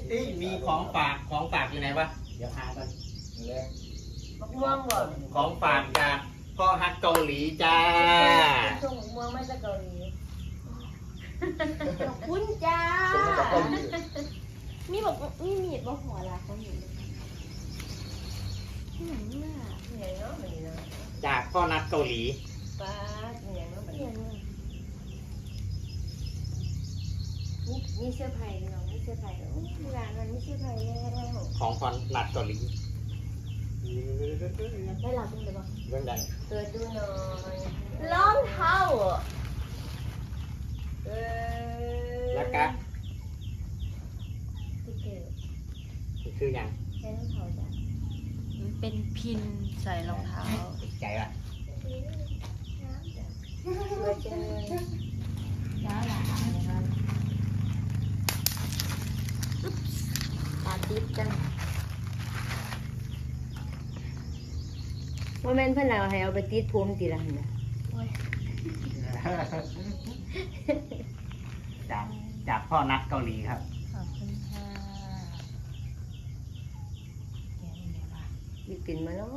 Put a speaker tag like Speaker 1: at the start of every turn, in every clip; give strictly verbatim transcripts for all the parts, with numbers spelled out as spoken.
Speaker 1: เอ้ยมีของฝากของฝากอยู่ไหนวะเดี๋ยวหาก่อนแรง
Speaker 2: มะม่วงบ่
Speaker 1: ของฝากจากพ่อฮักเกาหลีจ้า
Speaker 2: ส่งมะม่วงมาจากเกาหลีขอบคุณจ้า
Speaker 3: ส่งมาจากเกาหลี
Speaker 2: มีบอกมีมีดบ่หัวลาเขาอยู่ที่ไหนน่ะที่ไหนเนาะมันนี่เนาะ
Speaker 1: จากพ่อนัดเกาหลี
Speaker 2: ป้าที่ไหนเนาะมันนี่มีมีเสื้อผ้าเนาะมีเสื้อผ้าโอ้ยร้านมันมีเสื้อผ้าแล้ว
Speaker 1: ของพ่อนัดเกาหลี
Speaker 2: ได้รับเป็นเลยบ่
Speaker 1: เรื่องใด
Speaker 2: เปิดดูหน่อยรองเท้าเออ
Speaker 1: แล้วก็
Speaker 2: ที่เกิด
Speaker 1: คืออย่าง
Speaker 2: ใช้รองเท้าจ้ะ
Speaker 4: มันเป็นพินใส่รองเท้า
Speaker 1: ติดใจว่ะ
Speaker 2: น้ำจ้ะเปิดจังเลย
Speaker 4: จ้าหลานนะครับ
Speaker 2: ตาติดจังว่าแม่นเพิ่นเอาให้เอาไปติดผมติละหั่นน่ะ
Speaker 1: จากจากพ่อนัดเกาหลีครับ
Speaker 4: ขอบคุณค่ะแกะยังไงวะ
Speaker 2: มีกลิ่นมาเนาะ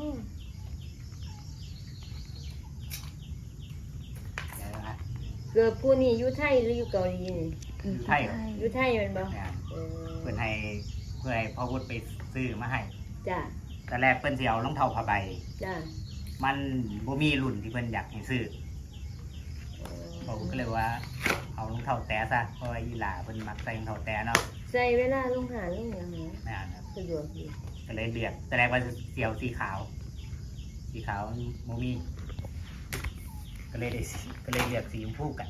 Speaker 1: เดี๋ยวนะ
Speaker 2: เกิดผู้นี้อยู่ไทยหรืออยู่เกาหลีนี่
Speaker 1: อยู่ไทยเหรอ
Speaker 2: อยู่ไทยแม่นบ่
Speaker 1: เนี่ย
Speaker 2: เออ
Speaker 1: เพื่อนให้เพื่อให้พ่อวุฒิไปซื้อมาให้
Speaker 2: จ้ะ
Speaker 1: แต่แรกเพื่อนสิเอารองเท้าผ้าใบ
Speaker 2: จ้ะ
Speaker 1: มันบ่มีรุ่นที่เพิ่นอยากให้ซื้อ
Speaker 2: เออ
Speaker 1: ผมก็เลยว่าเอารองเท้าแตะซะเพราะว่าอีหลาเพิ่นมักใส่รองเท้าแตะเนาะ
Speaker 2: ใส่เวลาลงหาลงหยังหา
Speaker 1: นั่นครับ
Speaker 2: สะดวกดี
Speaker 1: ก็เลยเลือกแต่แรกว่าเสียวสีขาว สีขาวโมมี ก็เลยได้สีก็เลยเลือกสีชมพูกัน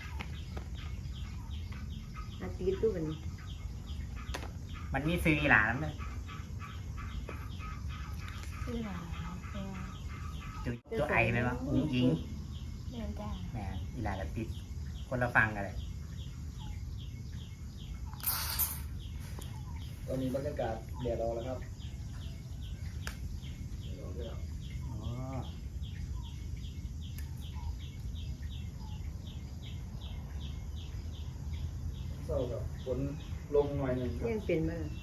Speaker 2: อาติดตู้บัดนี้
Speaker 1: มันมีซื้ออีหลาแล้วมั้ย
Speaker 4: ชื่อหลานตัว
Speaker 1: จุจุไอไหมวะอุ้งอิง
Speaker 4: เดินจ้า
Speaker 1: แหมอีหลาก็ติดคนละฟังกันเลย
Speaker 3: ตอนนี้บรรยากาศแดดออกแล้วครับแดดออกแล้ว
Speaker 1: อ๋อ
Speaker 3: เศร้ากับฝนลงหน่อยหนึ่งครับ
Speaker 2: ยังเป็นมาล่ะ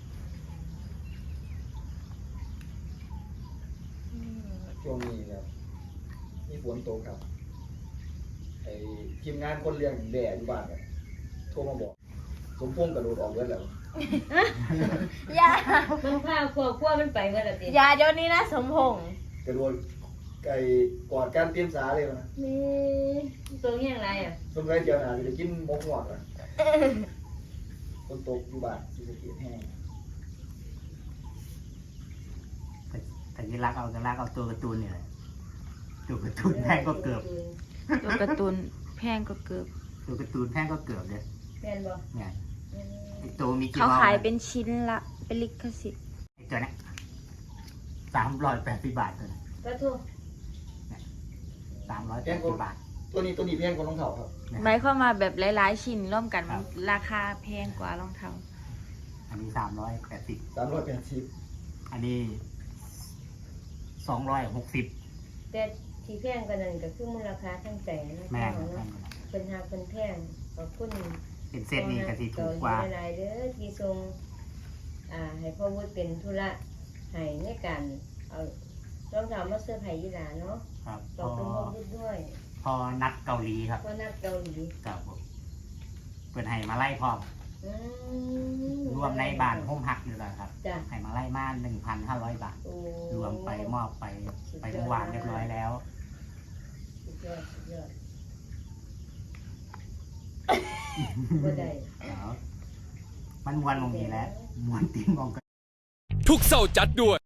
Speaker 3: ช่วงนี้ครับมีฝนตกครับไอ้ทีมงานคนเลี้ยงแดดอยู่บ้านครับโทรมาบอกสมพงษ์กระโดดออกเลือดแล้ว
Speaker 4: ยา
Speaker 2: มันพาครัวครัวมันไปเมื่อไหร่ติ
Speaker 4: ยาเดี๋ยวนี้นะสมพงษ์
Speaker 3: กระโดดไก่กอดการเตรียมสาเลยนะ
Speaker 2: นี่ตัวเฮียงไรอ่ะ
Speaker 3: สงสัยเจียวหนาจะกินมกหวดอ่ะฝนตกอยู่บ้านที่สะเก็ดแห้ง
Speaker 1: แต่แต่ที่รักเอาก็รักเอาตัวการ์ตูนนี่แหละตัวการ์ตูนแพงก็เกือบ
Speaker 4: ตัวการ์ตูนแพงก็เกือบ
Speaker 1: ตัวการ์ตูนแพงก็เกือบเลย
Speaker 2: แม่นบ่
Speaker 1: เนี่ย
Speaker 2: อืม
Speaker 1: ไอ้ตัวมีกี่
Speaker 4: เขา
Speaker 1: วาล์ว
Speaker 4: ขายเป็นชิ้นละเป็นลิขสิทธิ์
Speaker 1: ไอ้ตัวเนี้สามร้อยแปดสิบบาทตัวนี้
Speaker 2: ก็ถูก
Speaker 1: สามร้อยแปดสิบบาท
Speaker 3: ตัวนี้ตัวนี้แพงกว่ารองเท้าครับ
Speaker 4: หมายความว่าแบบหลายๆชิ้นร่วมกัน
Speaker 1: ครับ
Speaker 4: ราคาแพงกว่ารองเท้า
Speaker 1: อันนี้สามร้อยแปดสิบ
Speaker 3: สามร้อยแปดสิบ
Speaker 1: อันนี้สองร้อยหกสิบ
Speaker 2: แต่ที่แพงกว่านั้นก็คือมูลค่าทางใจนะ
Speaker 1: แม่ง
Speaker 2: เนาะเพิ่นหาเพิ่นแพงขอบคุณ
Speaker 1: เป็นเส้นนี้ก็สิถูกกว่า
Speaker 2: เหลายๆเด้อที่ทรงอ่าให้พ่อวุฒิเป็นธุระให้ในการเอารองเท้ามาเสื้อผ้ายีหลาเนาะ
Speaker 1: ครับ
Speaker 2: ข
Speaker 1: พ
Speaker 2: อบ
Speaker 1: อ
Speaker 2: คุณพ่อวุฒิด้วย
Speaker 1: พอนัดเกาหลีครับ
Speaker 2: เพราะนักเกาหลี
Speaker 1: กับผมเปิดให้มาไล่พร้อม
Speaker 2: อืม
Speaker 1: รวมในบ้านห้มหักอยู่แล้วครับ
Speaker 2: จ้ะ
Speaker 1: ให้มาไล่มาหนึ่งพันห้าร้อยบาท
Speaker 2: โอ้
Speaker 1: รวมไปมอบไปไปเมื่อวานเรียบร้อยแล้ว
Speaker 2: สุดยอดสุดยอดบ่ได้
Speaker 1: เดี๋ยวมันมวนมองนี้แหล้วมวนตีนมองกัน
Speaker 5: ทุกเสาร์จัดด้วย